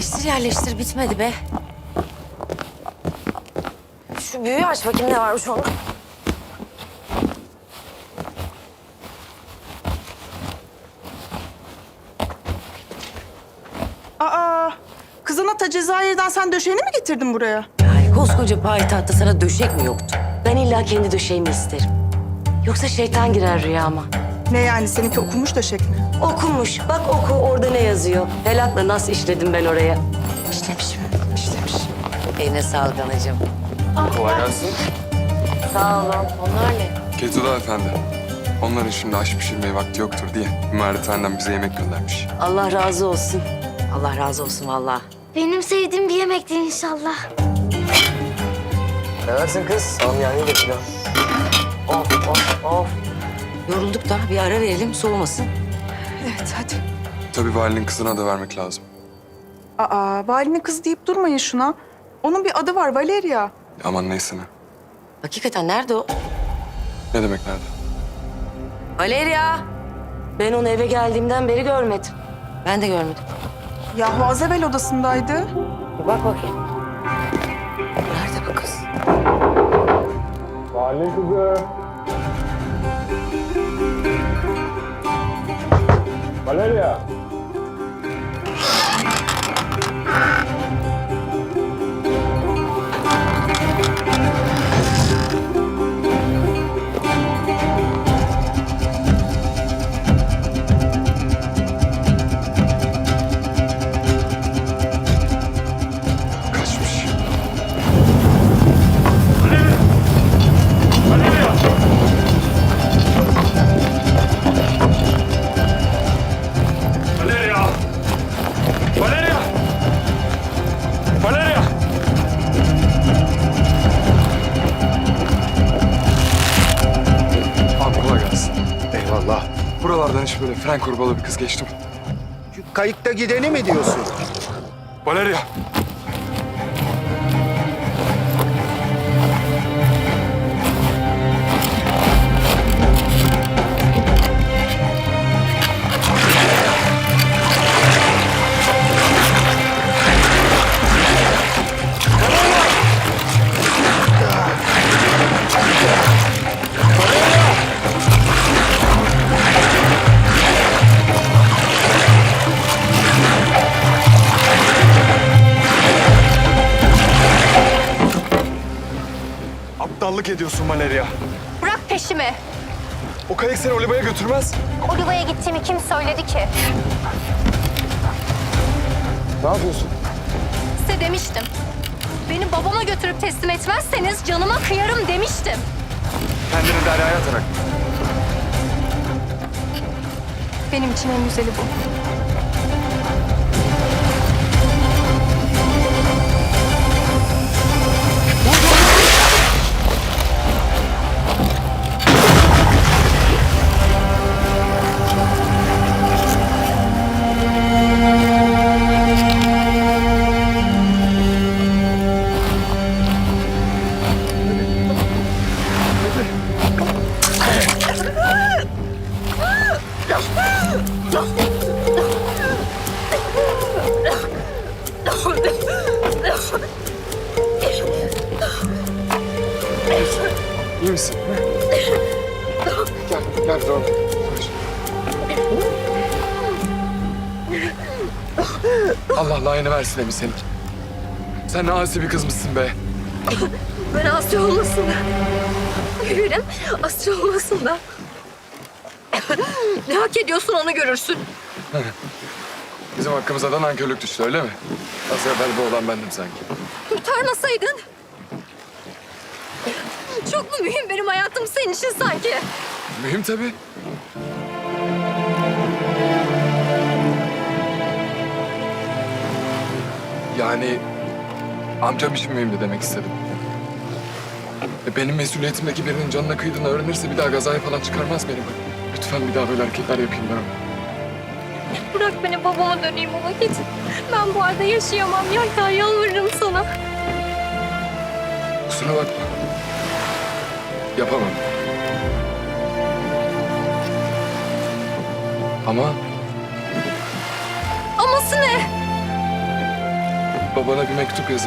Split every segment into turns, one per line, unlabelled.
Yerleştir yerleştir bitmedi be. Şu büyüğü aç bakayım ne varmış onda.
Aa, kızına ta Cezayir'den sen döşeğini mi getirdin buraya?
Yani koskoca payitahtta sana döşek mi yoktu? Ben illa kendi döşeğimi isterim. Yoksa şeytan girer rüyama.
Ne yani seninki okumuş döşek mi?
Okumuş. Bak oku orada ne yazıyor. Helakla nasıl işledim ben oraya. İşlemişim. Eline sağlık anacığım.
Kolay gelsin.
Sağ olun. Onlar ne?
Ketuda efendi. Onların şimdi aş pişirmeye vakti yoktur diye imarethaneden bize yemek göndermiş.
Allah razı olsun. Allah razı olsun vallahi.
Benim sevdiğim bir yemekti inşallah.
Seversin kız. Samyani de pilav.
Of. Yorulduk da bir ara verelim soğumasın.
Evet hadi.
Tabii valinin kızına da vermek lazım.
Aa, valinin kızı deyip durmayın şuna. Onun bir adı var Valeria.
Aman neyse ne.
Hakikaten nerede o?
Ne demek nerede?
Valeria. Ben onu eve geldiğimden beri görmedim. Ben de görmedim.
Yahu az evvel odasındaydı.
Bir bak bakayım. Nerede bu kız?
Valinin kızı. Valeria. Kaçmış.
Valeria! Valeria! Valeria!
Abi kolay gelsin.
Eyvallah.
Buralardan hiç böyle fren kurbalı bir kız geçti mi?
Şu kayıkta gideni mi diyorsun?
Valeria. Aptallık ediyorsun Valeria.
Bırak peşimi.
O kayık seni Oliva'ya götürmez.
Oliva'ya gittiğimi kim söyledi ki?
Ne yapıyorsun?
Size demiştim. Beni babama götürüp teslim etmezseniz canıma kıyarım demiştim.
Kendini deryaya atarak.
Benim için en güzeli bu.
İyi misin? Gel doğru. Allah layığını versin Emi senin. Sen ne asi bir kız mısın be?
Ben Asya olmasın da. Gülüm, Asya olmasın da. Ne hak ediyorsun onu görürsün.
Bizim hakkımıza da nankörlük düştü öyle mi? Az evvel bu olan bendim sanki.
Kurtarmasaydın. Çok mu mühim benim hayatım senin için sanki?
Mühim tabii. Yani amcam için mühimdi demek istedim. Benim mesuliyetimdeki birinin canına kıydığını öğrenirse bir daha gazaya falan çıkarmaz beni. Lütfen bir daha böyle hareketler yapayım ben.
Bırak beni babama döneyim o vakit. Ben bu halde yaşayamam. Yelken yalvarırım sana.
Kusura bakma. Yapamam. Ama
Aması ne?
babana bir mektup yazıp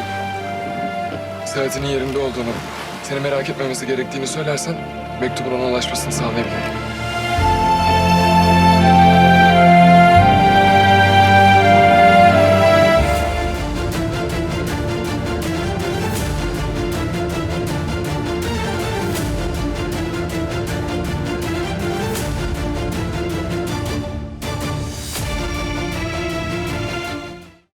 Serhat'ın yerinde olduğunu, seni merak etmemesi gerektiğini söylersen mektubun ona ulaşmasını sağlayabilirim.